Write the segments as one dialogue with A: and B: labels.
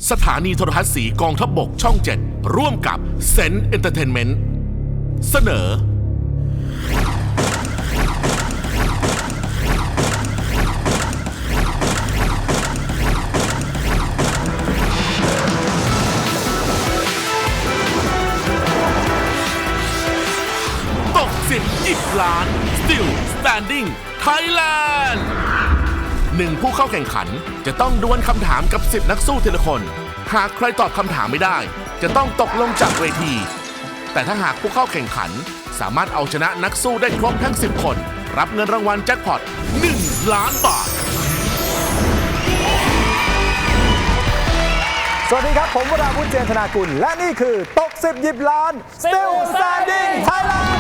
A: สถานีโทรทัศน์สีกองทัพบกช่อง 7 ร่วมกับเซนต์เอนเตอร์เทนเมนต์เสนอตก10 10 ล้าน Still Standing Thailand 1 ผู้เข้าแข่งขันจะต้องดวลคำถามกับ10 นักสู้ทีละคน หากใครตอบคำถามไม่ได้จะต้องตกลงจากเวที แต่ถ้าหากผู้เข้าแข่งขันสามารถเอาชนะนักสู้ได้ครบทั้ง10 คนรับเงินรางวัลแจ็คพอต1 ล้านบาท
B: สวัสดีครับผมวราวุฒิ เจนธนากุลและนี่คือตก10 10 ล้าน Still Standing Thailand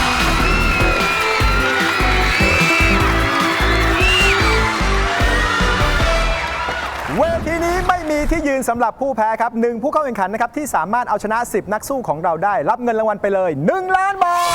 B: เวทีนี้ไม่มีที่ยืนสำหรับผู้แพ้ครับ1ผู้เข้าแข่งขันนะครับที่สามารถเอาชนะ10 นักสู้ของเราได้รับเงินรางวัลไปเลย1 ล้านบาท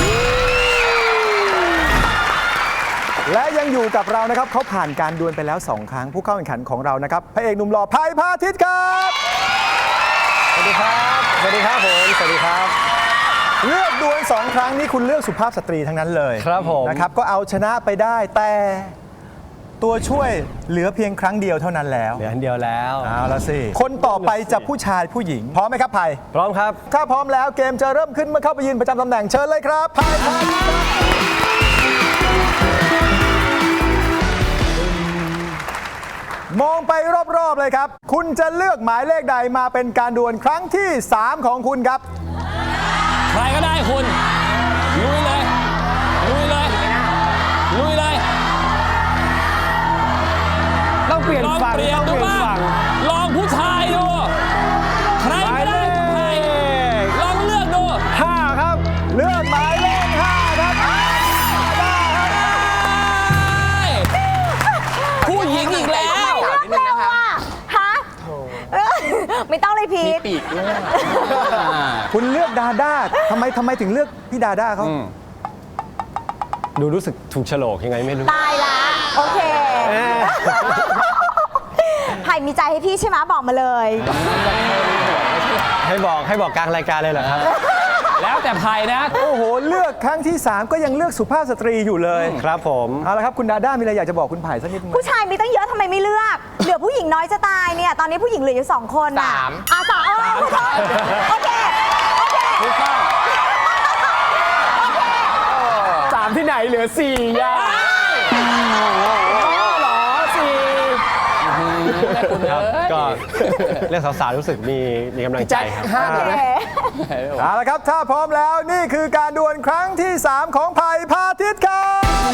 B: และยังอยู่กับเรานะครับเขาผ่านการดวลไปแล้ว2 ครั้งผู้เข้าแข่งขันของเรานะครับพระเอกหนุ่มหล่อไผ่พาทิตย์ครับสวัสดีครับสวัสดีครับผมสวัสดีครับเลือกดวล2 ครั้งนี้คุณเลือกสุภาพสตรีทั้งนั้นเลยครับผมนะครับก็เอาชนะไปได้แต่ตัวช่วยเหลือเพียงครั้งเดียวเท่านั้นแล้ว
C: เหลืออันเดียวแล้ว
B: เอาละสิคนต่อไปจะผู้ชายผู้หญิงพร้อมไหมครับไผ่
C: พร้อมครับ
B: ถ้าพร้อมแล้วเกมจะเริ่มขึ้นเมื่อเข้าไปยืนประจำตำแหน่งเชิญเลยครับไผ่มองไปรอบๆเลยครับคุณจะเลือกหมายเลขใดมาเป็นการดวลครั้งที่3ของคุณครับ
D: ใครก็ได้คุณลุยเลยลุยเลยลุยเลย
C: ต้องเปลี่ยนฝั่งต้องเปลี่ยนฝั่ง
D: ลองผู้ชายดูใครก็ได้ผู้ชายลองเลือกดู
C: 5ครับ
B: เลือกหมายเลข5ครับ
D: ผู้หญิงอีกแล้ว
E: เร็วอ่ะฮะไม่ต้องเลยพีท
D: ปีกด้วย
B: คุณเลือกดาด้าทำไมถึงเลือกพี่ดาด้าเขา
C: ดูรู้สึกถูกโฉลกยังไงไม่รู้
E: ตายละโอเคไผ่มีใจให้พี่ใช่ไหมบอกมาเลย
C: ให้บอกกลางรายการเลยเหรอครับ
D: แล้วแต่ไผ่นะ
B: โอ้โหเลือกครั้งที่3ก็ยังเลือกสุภาพสตรีอยู่เลย
C: ครับผม
B: เอาละครับคุณดาด้ามีอะไรอยากจะบอกคุณไผ่สักนิดไหม
E: ผู้ชายมีตั้งเยอะทำไมไม่เลือกเหลือผู้หญิงน้อยจะตายเนี่ยตอนนี้ผู้หญิงเหลืออยู่2 คนอ่ะ3โอเค
D: ถูกต้อง
C: 3ที่ไหนเหลือ4ย่าหรอ4ก็เรื่องสาวๆรู้สึกมีกำลังใจครับ
B: เอาละครับถ้าพร้อมแล้วนี่คือการดวลครั้งที่3ของไผ่พาทิตย์ครับ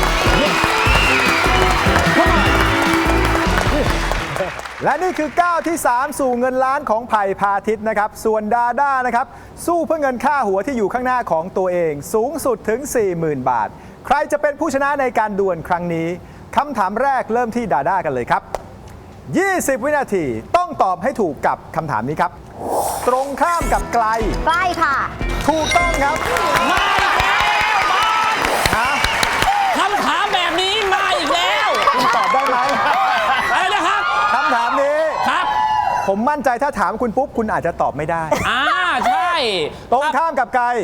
B: และนี่คือก้าวที่3สู่เงินล้านของไผ่พาทิตย์นะครับส่วนดาด้านะครับสู้เพื่อเงินค่าหัวที่อยู่ข้างหน้าของตัวเองสูงสุดถึง 40,000 บาทใครจะเป็นผู้ชนะในการดวลครั้งนี้คำถามแรกเริ่มที่ดาด้ากันเลยครับ20 วินาทีต้องตอบให้ถูกกับคำถามนี้ครับตรงข้ามกับไกล
E: ใกล้ค่ะ
B: ถูกต้องครับ
D: มาอีกแล้วคำถามแบบนี้มาอีกแล้ว
B: คุณตอบได้ไหม
D: อะไรนะครับ
B: คำถามนี้
D: ครับ
B: ผมมั่นใจถ้าถามคุณปุ๊บคุณอาจจะตอบไม่ได้
D: ใช่
B: ตรงข้ามกับไกล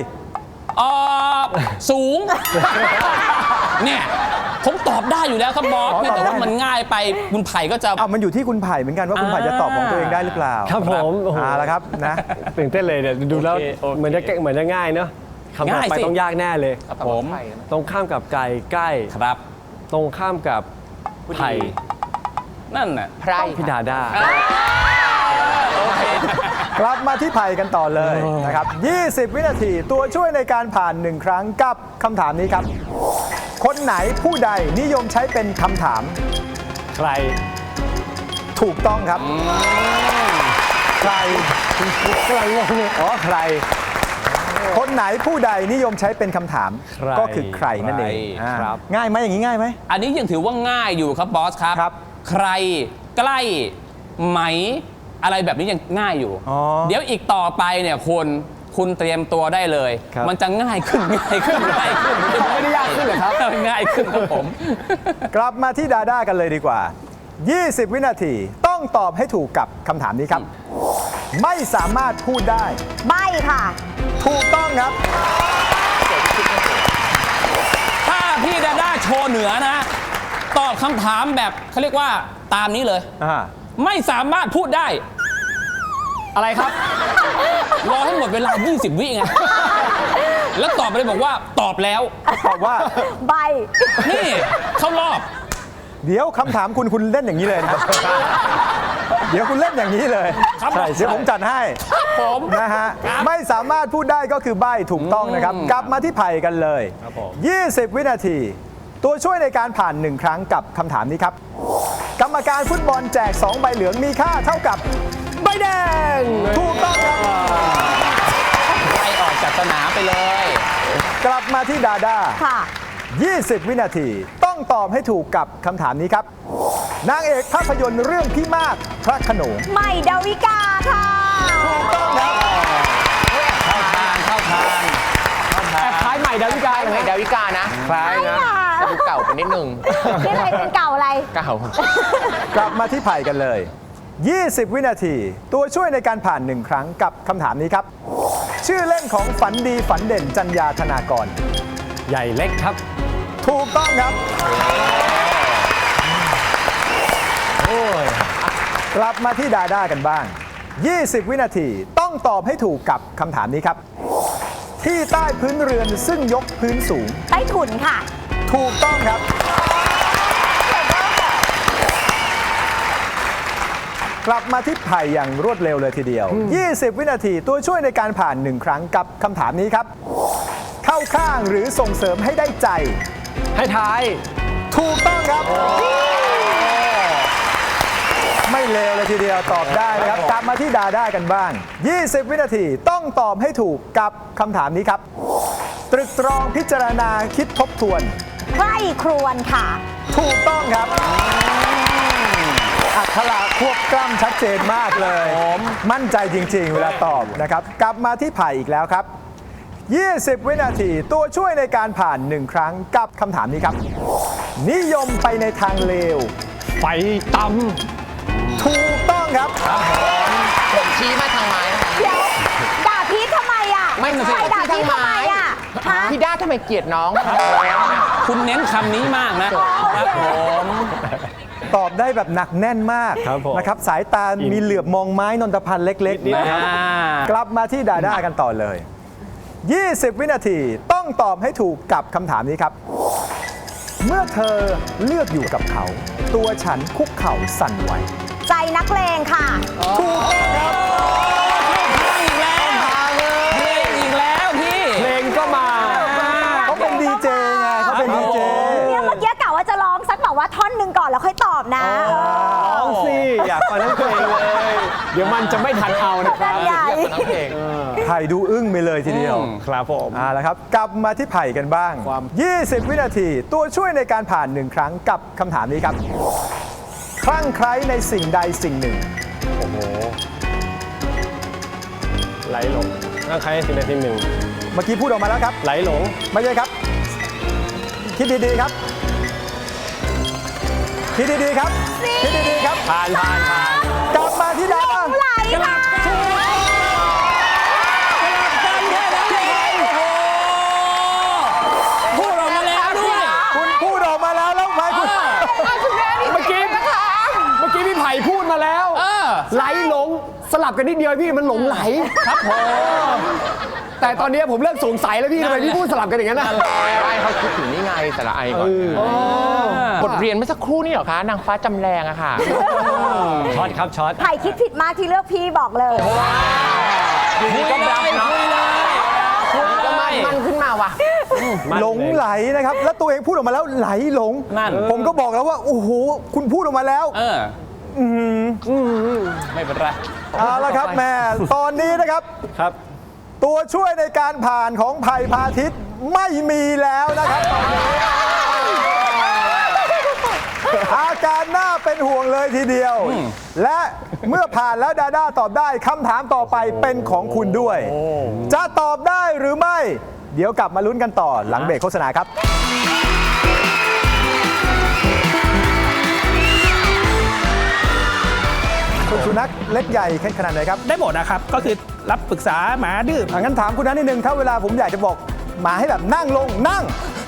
D: สูงเนี่ยผมตอบได้อยู่แล้วครับบอสแต่ว่ามันง่ายไปคุณไผ่ก็จะ
B: มันอยู่ที่คุณไผ่เหมือนกันว่าคุณไผ่จะตอบของตัวเองได้หรือเปล่า
C: ครับผม
B: แล้วครับนะ
C: ตื่นเต้นเลยเนี่ยดูแล้วเหมือนจะง่ายเนาะคำถามไปต้องยากแน่เลย
D: ผม
C: ตรงข้ามกับไกลใกล้
D: ครับ
C: ตรงข้ามกับไผ่
D: นั่นน่ะไพร
C: พี่ดาด้
B: ากลับมาที่ไผ่กันต่อเลยนะครับ20 วินาทีตัวช่วยในการผ่าน1 ครั้งกับคำถามนี้ครับคนไหนผู้ใดนิยมใช้เป็นคำถาม
C: ใคร
B: ถูกต้องครับใครงงใครคนไหนผู้ใดนิยมใช้เป็นคำถามก็คือใครนั่นเองง่ายไหมอย่างนี้ง่ายไหม
D: อันนี้ยังถือว่าง่ายอยู่ครับบอสครับใครใกล้ไหมอะไรแบบนี้ยังง่ายอยู่เดี๋ยวอีกต่อไปเนี่ยคุณเตรียมตัวได้เลยมันจะง่ายขึ้นไม่
B: ได้ยากขึ้นเลยครับ
D: ง่ายขึ้นครับผม
B: กลับมาที่ดาด้ากันเลยดีกว่า20 วินาทีต้องต้องตอบให้ถูกกับคำถามนี้ครับ ไม่สามารถพูดได้
E: ใบค่ะ
B: ถูกต้องครับ
D: ถ้าพี่ดาด้าโชว์เหนือนะ ตอบคำถามแบบเขาเรียกว่าตามนี้เลย ไม่สามารถพูดได้ อะไรครับ รอให้หมดเวลา 20 วิไง แล้วตอบไปเลยบอกว่าตอบแล้ว
B: ตอบว่า
E: ใบ
D: นี่เข้ารอบ
B: เดี๋ยวคำถามคุณเล่นอย่างนี้เลยนะครับ เดี๋ยวคุณเล่นอย่างนี้เลย
D: ครับ
B: ใช่เดี๋ยวผมจัดให้
D: ผม
B: นะฮะไม่สามารถพูดได้ก็คือใบ้ถูกต้องนะครับ กลับมาที่ไผ่กันเลย
C: ครับผม
B: 20 วินาที ตัวช่วยในการผ่าน 1 ครั้งกับคำถามนี้ครับ กรรมการฟุตบอลแจก 2 ใบเหลืองมีค่าเท่ากับใบแดง ถูกต้องครับ
D: ไล่ออกจากสนามไปเลย
B: กลับมาที่ดาด้า
E: ค่ะ
B: 20 วินาที ต้องตอบให้ถูกกับคำถามนี้ครับ นางเอกภาพยนตร์เรื่องพี่มากพระโขนง
E: ใหม่ดาวิกาค่ะ
B: ถูกต้องครับ
D: เข้าทางเข้าทาง
C: แอบคล้ายใหม่ดาวิกา
F: ใหม่ดาวิกานะ
C: คล้ายนะ
F: แต่ดูเก่าไปนิดนึง
E: นี่อะไรเป็นเก่าอะไร
F: เก่า
B: กลับมาที่ไผ่กันเลย 20 วินาที ตัวช่วยในการผ่าน 1 ครั้งกับคำถามนี้ครับ ชื่อเล่นของฝันดีฝันเด่นจัญญาธนากร
C: ใหญ่เล็กครับ
B: ถูกต้องครับ กลับมาที่ดาด้ากันบ้าง 20 วินาทีต้องตอบให้ถูกกับคำถามนี้ครับ ที่ใต้พื้นเรือนซึ่งยกพื้นสูง
E: ใต้ถุนค่ะ
B: ถูกต้องครับ กลับมาที่ไผ่อย่างรวดเร็วเลยทีเดียว 20 วินาทีตัวช่วยในการผ่าน 1 ครั้งกับคำถามนี้ครับ เข้าข้างหรือส่งเสริมให้ได้ใจ
C: ให้ทาย
B: ถูกต้องครับ ไม่เลวเลยทีเดียวตอบได้นะครับ กลับมาที่ดาด้ากันบ้าง 20 วินาทีต้องตอบให้ถูกกับคำถามนี้ครับ ตรึกตรองพิจารณาคิดทบทวน
E: ใกล้ครวนค่ะ
B: ถูกต้องครับ อักขระควบกล้ำชัดเจนมากเลย มั่นใจจริงๆ เวลาตอบนะครับ กลับมาที่ไผ่อีกแล้วครับ 20 วินาทีตัวช่วยในการผ่าน 1 ครั้งกับคำถามนี้ครับ นิยมไปในทางเลว
C: ไฟต
B: ถูกต้องครับ
F: ผมชี้มาทางไม้นะคะ
E: เดี๋ยวด่าพีททำไมอ่ะ
F: ไม่นะสิ
E: ใครด่าพีททำไมอ่ะฮะ
F: พี่ด้าทำไมเกลียดน้อง
D: คุณเน้นคำนี้มากนะครับผม
B: ตอบได้แบบหนักแน่นมาก
C: ครับผม
B: นะครับ สายตามีเหลือบมองไม้นนทพันธ์เล็กๆนะครับ กลับมาที่ดาด้ากันต่อเลย 20 วินาทีต้องตอบให้ถูกกับคำถามนี้ครับ เมื่อเธอเลือกอยู่กับเขา ตัวฉันคุกเข่าสั่นไหว
E: ใจนักเลงค่ะ
B: ถูกต้องครับ
D: อีกแล้วเพลงอีกแล้วพี่
C: ำเพลงก็มา
B: เขาเป็นดีเจไงเขาเป็นดีเจ
E: เนี่ยเมื่อกี้กะว่าจะร้องสักแบบว่าท่อนหนึ่งก่อนแล้วค่อยตอบนะ
C: ร้องสิ อยากฟังทั้งเพลงเลย เดี๋ยวมันจะไม่ทันเอานะครับ
E: นั่นใหญ่
F: น้องเพลง
B: ไผ่ดูอึ้งไปเลยทีเดียว
C: ครับผม
B: แล้วครับ กลับมาที่ไผ่กันบ้าง 20 วินาทีตัวช่วยในการผ่าน 1 ครั้งกับคำถามนี้ครับ คลั่งไคล้ในสิ่งใดสิ่งหนึ่ง
C: โอ้โห ไหลหลงนั่งใครสิ่งใดสิ่งหนึ่ง
B: เมื่อกี้พูดออกมาแล้วครับ
C: ไหลหลง
B: ไม่ใช่ครับ คิดดีๆครับ คิดดีๆครับ คิดดีๆครับ
C: ผ่าน
B: กลับมาที่ดาด้า
E: ไหลค่ะ
D: พูดออกมาแล้วด้วย
B: คุณพูดออกมาแล้วแล้วไผ่คุณ
C: เมื่อกี้พี่ไผ่พูดมาแล้ว ไหลหลง สลับกันนิดเดียวพี่มันหลงไหล
D: ครับผม
C: แต่ตอนนี้ผมเริ่มสงสัยแล้วพี่ทำไมพี่พูดสลับกันอย่างนั้นนะ
F: ไม่เขาคิดถึงนี่ไงสระไอก่อนบทเรียนเมื่อสักครู่นี่เหรอคะ นางฟ้าจำแรงอะค่ะ
C: ช็อตครับช็อต
E: ไผ่คิดผิดมากที่เลือกพี่บอกเลย
D: คุยเลยคุยเลยคุย
F: ก็
D: เล
F: มัน
D: ย
F: ขึ้นมาว่ะ
B: หลงไหลนะครับ แล้วตัวเองพูดออกมาแล้วไหลหลง
D: นั่น
B: ผมก็บอกแล้วว่า โอ้โห คุณพูดออกมาแล้ว
D: ไม่เป็นไร
B: เอาละครับแม่ ตอนนี้นะครับ
C: ครับ
B: ตัวช่วยในการผ่านของไผ่พาทิตย์ไม่มีแล้วนะครับตอนนี้อาการน่าเป็นห่วงเลยทีเดียว และเมื่อผ่านแล้วดาด้าตอบได้คำถามต่อไปเป็นของคุณด้วย จะตอบได้หรือไม่ เดี๋ยวกลับมาลุ้นกันต่อหลังเบรกโฆษณาครับคุณสุนัขเล็กใหญ่ขนาดไหนครับ
G: ได้หมดนะครับ ก็คือรับปรึกษาหมาดื้อ
B: งั้นถามคุณนัทนิดนึงถ้าเวลาผมอยากจะบอกหมาให้แบบนั่งลงนั่ง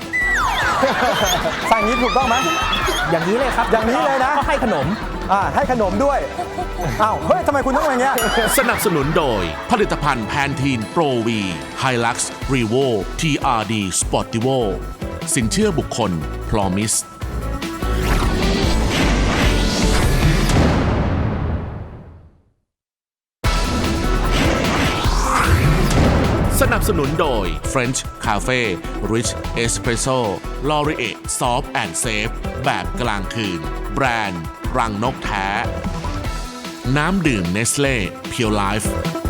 B: สั่งอย่างนี้ถูกต้องไหม
G: อย่างนี้เลยครับ
B: อย่างนี้เลยนะ
G: ก็ให้ขนม
B: ให้ขนมด้วยอ้าวเฮ้ยทำไมคุณต้องอย่างเงี้ย
A: สนับสนุนโดยผลิตภัณฑ์แพนทีนโปรวีไฮลักซ์รีโว TRD Sportivo สินเชื่อบุคคล Promise สนับสนุนโดย French Cafe Rich Espresso Laurier Soft and Safe แบบกลางคืน แบรนด์ รังนกแท้ น้ำดื่มเนสเล่เพียวไลฟ์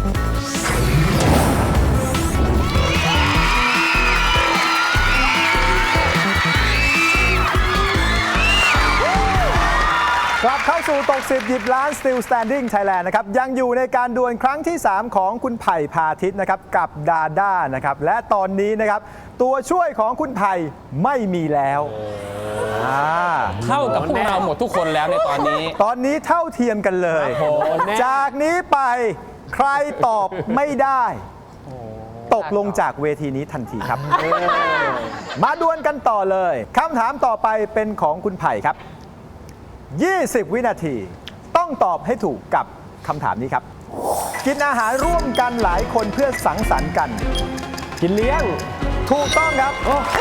B: กลับเข้าสู่ตก10หยิบล้าน Still Standing Thailand นะครับยังอยู่ในการดวลครั้งที่ 3 ของคุณไผ่พาทิตย์นะครับกับดาด้านะครับและตอนนี้นะครับตัวช่วยของคุณไผ่ไม่มีแล้ว
D: เท่ากับพวกเราหมดทุกคนแล้วในตอนนี้
B: ตอนนี้เท่าเทียมกันเลย จากนี้ไปใครตอบไม่ได้ตกลงจากเวทีนี้ทันทีครับ มาดวลกันต่อเลยคำถามต่อไปเป็นของคุณไผ่ครับ 20 วินาทีต้องตอบให้ถูกกับคำถามนี้ครับ กินอาหารร่วมกันหลายคนเพื่อสังสรรค์กัน
C: กินเลี้ยง
B: ถูกต้องครับ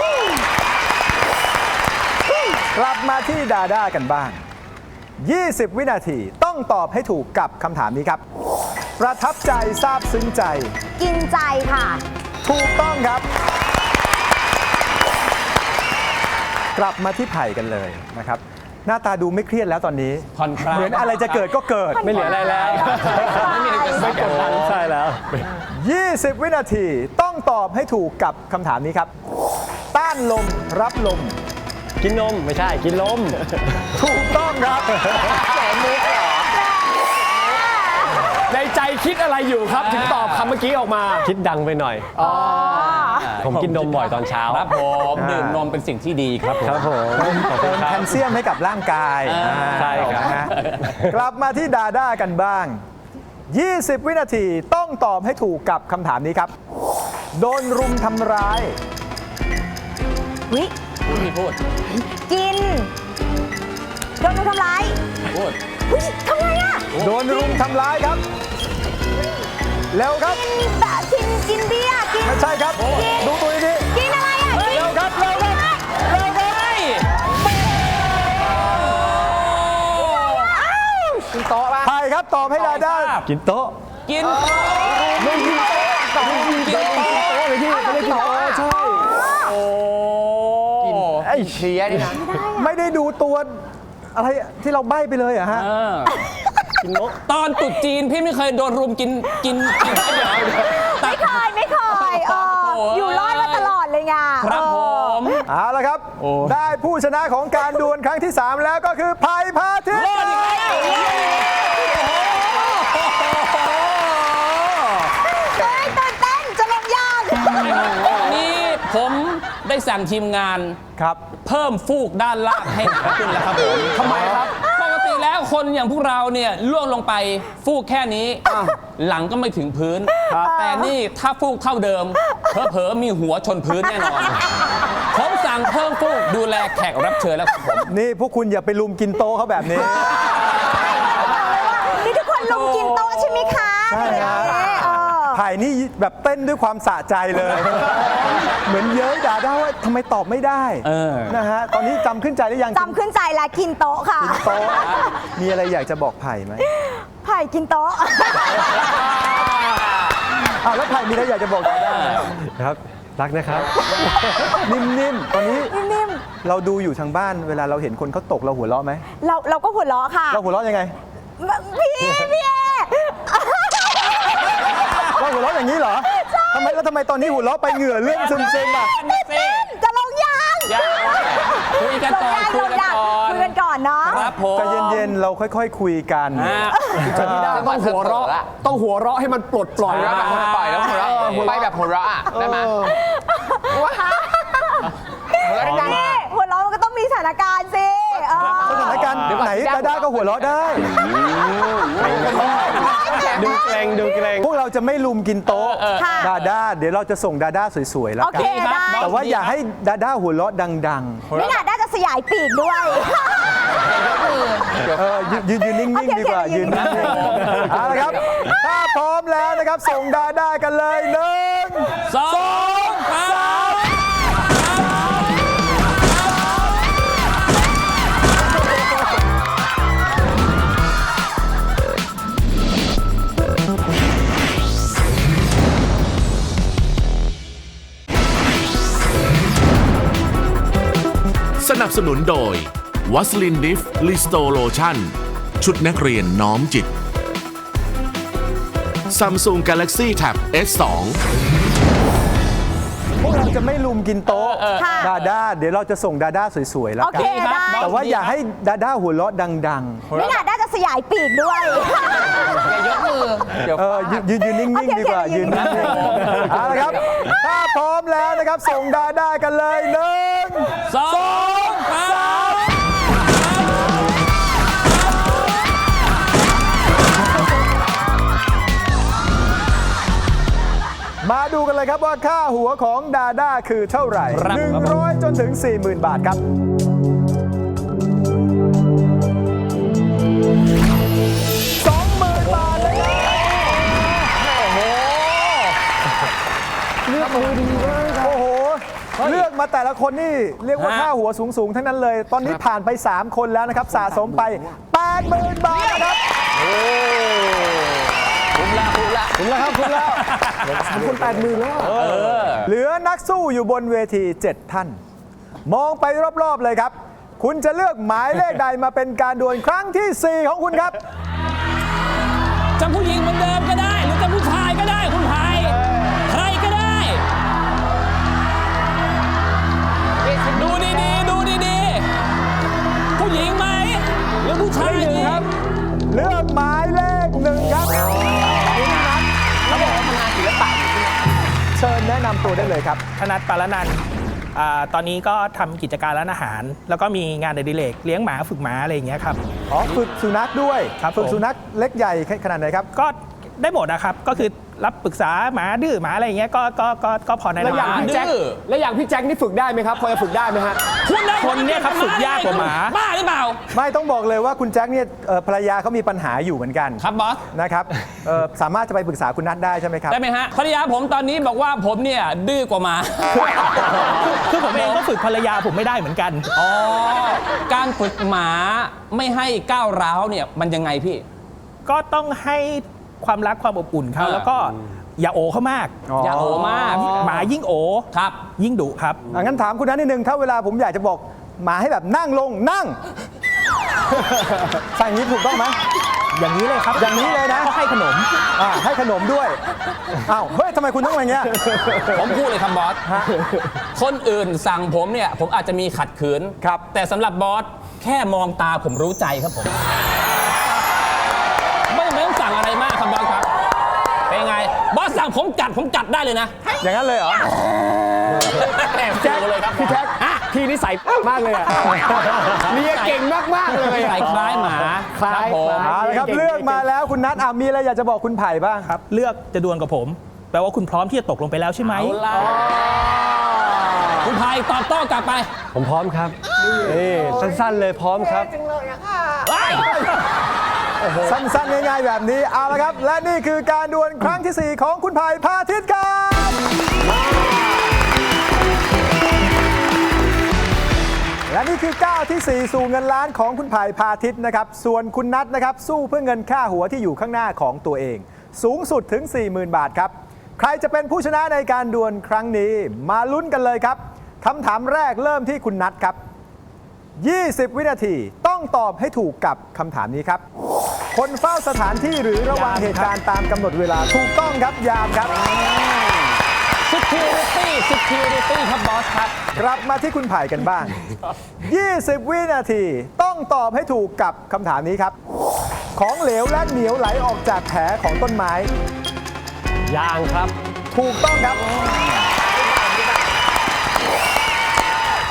B: กลับมาที่ดาด้ากันบ้าง 20 วินาทีต้องตอบให้ถูกกับคำถามนี้ครับ ประทับใจซาบซึ้งใจ
E: กินใจค่ะ
B: ถูกต้องครับ กลับมาที่ไผ่กันเลยนะครับ หน้าตาดูไม่เครียดแล้วตอนนี้
D: ผ่อนคลาย
B: เหมือนอะไรจะเกิดก็เกิด
C: ไม่เหลืออะไรแล้ว
D: ไม่มีอะไรจะ
C: ไม่กดดันใช่แล้ว
B: 20 วินาทีต้องตอบให้ถูกกับคำถามนี้ครับ ต้านลมรับลม
C: กินนมไม่ใช่กินลม
B: ถูกต้องครับ
C: ในใจคิดอะไรอยู่ครับ ถึงตอบคำเมื่อกี้ออกมา คิดดังไปหน่อย ผมกินนมบ่อยตอนเช้า
D: ครับผมดื่มนมเป็นสิ่งที่ดีครับผม
C: ครับผมขอบคุ
B: เติ
C: ณ
B: ม
C: ครั
B: แค
C: บ
B: ลเซียมให้กับร่างกาย
C: ใช่ครับ
B: นะฮะกลับมาที่ดาด้ากันบ้าง 20 วินาทีต้องตอบให้ถูกกับคำถามนี้ครับ โดนรุมทำร้าย
E: วิ
D: พูด
E: กินโดนทำร้าย
D: พูด
E: อุ๊ยทำไงอะ
B: โดนรุมทำร้ายครับ เร็วครับ
E: กินแบบกินเบียร์กิน
B: ไม่ใช่ครับ ดูตัวดี
E: กินอะไรอะกิน
B: เร็วครับเร็วครับเร็วครับไผ่ครับตอบให้ดาด้า
C: กินโต๊ะ
D: กิน
C: ไม่กินโต๊ะกินโต๊ะเลยพี่ไม่ได้กินโต๊ะใช่
D: โอ้
F: ไอ้เชียนี่นะ
B: ไม่ได้ดูตัวอะไรที่เราใบ้ไปเลยเหรอะฮะ
C: กินนก
D: ตอนตรุษจีนพี่ไม่เคยโดนรุมกินเดี๋ยว
E: ไม่เคยอยู่รอดมาตลอดเลยไง
D: ครับผม
B: เอาละครับ ได้ผู้ชนะของการดวลครั้งที่ 3 แล้วก็คือไผ่พาทิตย์
D: รอดอีกแล้ว
E: เฮ้ยตื่นเต้นจะลงยาง
D: นี่ผมได้สั่งทีมงาน
B: ครับ
D: เพิ่มฟูกด้านล่างให้หนาขึ้นแล้วครับผมทำไมครับ ปกติแล้วคนอย่างพวกเราเนี่ยล่วงลงไปฟูกแค่นี้ หลังก็ไม่ถึงพื้น แต่นี่ถ้าฟูกเท่าเดิมเผลอๆมีหัวชนพื้นแน่นอน ผมสั่งเพิ่มฟูกดูแลแขกรับเชิญแล้วครับผม
B: นี่พวกคุณอย่าไปลุมกินโต๊ะเขาแบบนี้
E: นี่ทุกคนลงกินโต๊ะใช่ไหมคะ
B: ใช่ครับ
E: เออ
B: ไผ่นี่แบบเต้นด้วยความสะใจเลย เหมือนเย้ยด่าได้ว่าทำไมตอบไม่ได้นะฮะตอนนี้จำขึ้นใจหรือยัง
E: จำขึ้นใจแล้วกินโต๊ะค่ะ
B: โต๊ะมีอะไรอยากจะบอกไผ่ไหม
E: ไผ่กินโต๊ะ
B: แล้วไผ่มีอะไรอยากจะบอกด่าได้ไหม
C: ครับ รักนะครับ
B: นิ่มๆตอนนี้
E: นิ่ม
B: เราดูอยู่ทางบ้านเวลาเราเห็นคนเขาตกเราหัวเราะไหม
E: เราก็หัวเราะค่ะ
B: เราหัวเราะยังไง
E: พี่เอ
B: เราหัวเราะอย่างนี้เหรอทำไมตอนนี้หัวเราะไปเหงื่อเลื่อนซึมๆอ่ะ
E: จะลงยาง
D: คุยกันก่อนคุยกันก่อน
E: คุยกันก่อนเนาะ
D: ครับผม
B: ใจเย็นๆเราค่อยๆคุยกัน
C: ต้องหัวเราะต้องหัวเราะให้มันปลดปล่อย
F: หัวเราะแบบคนปล่อยแล้วหัวเราะไปแบบหัวเราะอ่ะได้ไหมหัวเราะดัง
E: นี่หัวเราะมันก็ต้องมีสถานการณ์สิ
B: สถานการณ์ไหนดาด้าก็หัวเราะได้
C: ดูเกรงดูเกรง
B: พวกเราจะไม่ลุมกินโต๊ะ
E: ค่ะ
B: ดาด้าเดี๋ยวเราจะส่งดาด้าสวยๆแล้ว
E: โอ
B: กั
E: เคน ได้
B: แต่ว่าอย่าให้ดาด้าหัวเราะดัง
E: ไม่น่าได้จะสยายปีกด้วย
B: ๆยืนนิ่งๆดีกว่า
E: โอเค
B: ยืนนิ่งๆเอาละครับ ถ้าพร้อมแล้วนะครับส่งดาด้ากันเลย1
D: 2
A: สนับสนุนโดยวัสลินดิฟลิสโตโลชั่นชุดนักเรียนน้อมจิต Samsung Galaxy Tab S2
B: พวกเราจะไม่ลุมกินโต๊ะ
E: ค่ะ
B: ดาด้าเดี๋ยวเราจะส่งดาด้าสวยๆแล้ว
E: โอ
B: กั
E: เคน ได้
B: แต่ว่าอย่าให้ดาด้าหัวเราะดัง
E: ไม่น่าได้จะสยายปีกด้วย
B: ยืนนิ่งๆดีกว่า
E: โอเค
B: ยืนนิ่งๆเอาละครับ ถ้าพร้อมแล้วนะครับส่งดาด้ากันเลย1 มาดูกันเลยครับว่าค่าหัวของดาด้าคือเท่าไหร่ 100 จนถึง 40,000 บาทครับ 20,000 บาทเลยครับเลือกมือดีมากโอ้โห เลือกมาแต่ละคนนี่เรียกว่าค่าหัวสูงๆ ทั้งนั้นเลย ตอนนี้ผ่านไป 3 คนแล้วนะครับ สะสมไป 80,000 บาทนะครับ
D: คุ้มละ
B: คุ้มแล้วครับคุ้มแล้ว3 คน 80,000 แล้วเหลือนักสู้อยู่บนเวที 7 ท่าน มองไปรอบๆเลยครับ คุณจะเลือกหมายเลขใดมาเป็นการดวลครั้งที่ 4 ของคุณครับ
D: จะผู้หญิงเหมือนเดิมก็ได้ หรือจะผู้ชายก็ได้คุณไผ่ใครก็ได้ ดูดีๆดูดีๆผู้หญิงไหมหรือผู้ชายดีครับ
B: เลือกหมายเลข 1 ครับคุณนัทเขาบอกว่าทำงานศิลปะอยู่ที่เชิญแนะนำตัวได้เลยครับ
G: ธนัทปารนันท์ตอนนี้ก็ทำกิจการร้านอาหาร แล้วก็มีงานอดิเรกเลี้ยงหมาฝึกหมาอะไรอย่างเงี้ยครับ
B: อ๋อฝึกสุนัขด้วย
G: ครับ
B: ฝึก
G: ผม
B: สุนัขเล็กใหญ่ขนาดไหนครับ
G: ก็ได้หมดนะครับ ก็คือรับปรึกษาหมาดื้อหมาอะไรอย่างเงี้ยก็พอแนะ
C: แล้วอย่าง
G: นำ
C: พี่แจ็ค
D: ดื้อ
C: แล้วอย่างพี่แจ็คนี่ฝึกได้ไหมครับพอจะฝึกได้ไหมฮะ
G: คนเนี่ยครับฝึกยากกว่าหมา
D: บ้าหรือเปล่า
B: ไม่ต้องบอกเลยว่าคุณแจ็คเนี่ยภรรยาเขามีปัญหาอยู่เหมือนกัน
D: ครับบอส
B: นะครับสามารถจะไปปรึกษาคุณนัทได้ใช่ไหมครับ
D: ได้ไหมฮะภรรยาผมตอนนี้บอกว่าผมเนี่ยดื้อกว่าหมา
G: คือผมเองก็ฝึกภรรยาผมไม่ได้เหมือนกัน
D: อ๋อ การฝึกหมาไม่ให้ก้าวร้าวเนี่ยมันยังไงพี่
G: ก็ต้องให้ความรักความอบอุ่นเขา
D: อ่า
G: แล้วก็อย่าโอเขามาก
D: อย่าโอมาก
G: หมายิ่งโอ
D: ครับ
G: ยิ่งดุครับ
B: งั้นถามคุณนัทนิดนึงถ้าเวลาผมอยากจะบอกหมาให้แบบนั่งลงนั่ง ใส่อย่างนี้ถูกต้องไหม
G: อย่างนี้เลยครับ
B: อย่างนี้เลยนะ
G: ก็ให้ขนม
B: ให้ขนมด้วยอ้าวเฮ้ยทำไมคุณต้องอย่างเงี้ย
D: ผมพูดเลยครับบอส คนอื่นสั่งผมเนี่ยผมอาจจะมีขัดขืน
B: ครับ
D: แต่สำหรับบอสแค่มองตาผมรู้ใจครับผม ไม่ต้องสั่งอะไรมากครับบอสครับ เป็นไง บอสสั่งผมจัดได้เลยนะ
B: อย่างนั้นเลยเหรอ
D: แจ็คเลยครับ
C: พี่แจ็คพี่นิสัยมากเลยอะเมียเก่งมากๆเลย
D: ใส่
C: อะ
D: คล้ายหมา
C: คล้าย
D: รับผม
C: คล้าย
B: เอาละครับเลือกมาแล้วคุณนัทมีอะไรอยากจะบอกคุณไผ่บ้าง
G: ครับ เลือกจะดวลกับผม แปลว่าคุณพร้อมที่จะตกลงไปแล้วใช่ไหม
D: เอาล่ะคุณไผ่ตอบโต้กลับไป
C: ผมพร้อมครับนี่สั้นๆเลยพร้อมครับ
D: เฮ้ย
B: สั้นๆง่ายๆแบบนี้เอาละครับ และนี่คือการดวลครั้งที่ 4 ของคุณไผ่พาทิตย์ครับและนี่คือก้าวที่ 4 สู่เงินล้านของคุณไผ่พาทิตย์นะครับส่วนคุณนัทนะครับสู้เพื่อเงินค่าหัวที่อยู่ข้างหน้าของตัวเอง สูงสุดถึง 40,000 บาทครับใครจะเป็นผู้ชนะในการดวลครั้งนี้มาลุ้นกันเลยครับคำถามแรกเริ่มที่คุณนัทครับ 20 วินาทีต้องตอบให้ถูกกับคำถามนี้ครับ คนเฝ้าสถานที่หรือระหว่างเหตุการณ์ตามกำหนดเวลาถูกต้องครับยามครับ
D: security ครับบอสครับ
B: กลับมาที่คุณไผ่กันบ้าง 20 วินาทีต้องตอบให้ถูกกับคำถามนี้ครับ ของเหลวและเหนียวไหลออกจากแผลของต้นไม้
C: ยางครับ
B: ถูกต้องครับ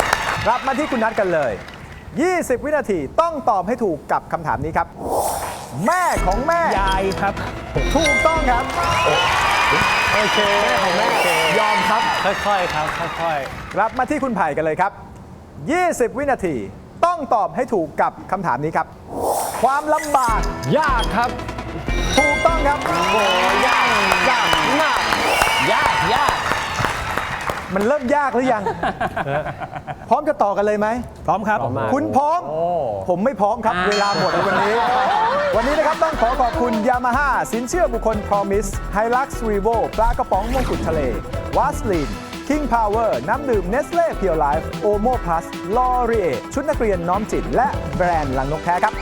B: กลับมาที่คุณนัทกันเลย 20 วินาทีต้องตอบให้ถูกกับคำถามนี้ครับแม่ของแม่
G: ยายครับ
B: ถูกต้องครับ
C: โอเคของแม่ยอมครับ ค่อยๆครับ ค่อย
B: กลับมาที่คุณไผ่กันเลยครับ 20 วินาที ต้องตอบให้ถูกกับคำถามนี้ครับ ความลำบาก
C: ๆ ยากครับ
B: ถูกต้องครับ
C: โอ้ยากมาก
D: ยาก
B: มันเริ่มยากหรือยัง พร้อมจะต่อกันเลยไหม
G: พร้อมครับ
B: คุณพร้อม ผมไม่พร้อมครับ เวลาหมดแล้ววันนี้ วันนี้นะครับต้องขอขอบคุณ Yamaha สินเชื่อบุคคล Promise Hilux Revo ปลากระป๋องมงกุฎทะเล Vaseline King Power น้ำดื่ม Nestle Pure Life Omo Plus L'Oreal ชุดนักเรียนน้อมจิต และแบรนด์ลังนกแท้ครับ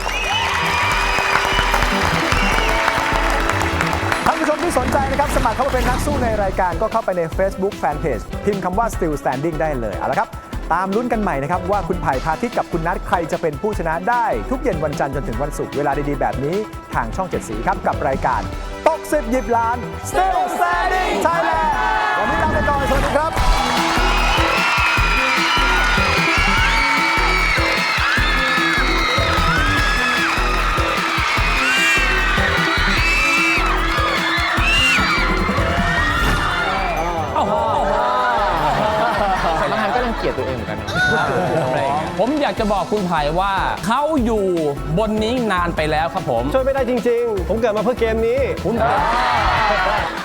B: ท่านผู้ชมที่สนใจนะครับ สมัครเข้ามาเป็นนักสู้ในรายการก็เข้าไปใน Facebook Fanpage พิมพ์คำว่า Still Standing ได้เลยเอาละครับ ตามลุ้นกันใหม่นะครับว่าคุณไผ่พาทิตย์กับคุณนัทใครจะเป็นผู้ชนะได้ ทุกเย็นวันจันทร์จนถึงวันศุกร์เวลาดีๆแบบนี้ทางช่อง 7 สีครับ กับรายการตก10หยิบล้าน Still Standing Thailand วันนี้ลาไปก่อนสวัสดีครับ
F: บางครั้งก็รังเกียจตัวเองเหมือนกันนะอะไรอย่างเงี้ย
D: ผมอยากจะบอกคุณไผ่ว่าเขาอยู่บนนี้นานไปแล้วครับผม
C: ช่วยไม่ได้จริง ๆ ผมเกิดมาเพื่อเกมนี้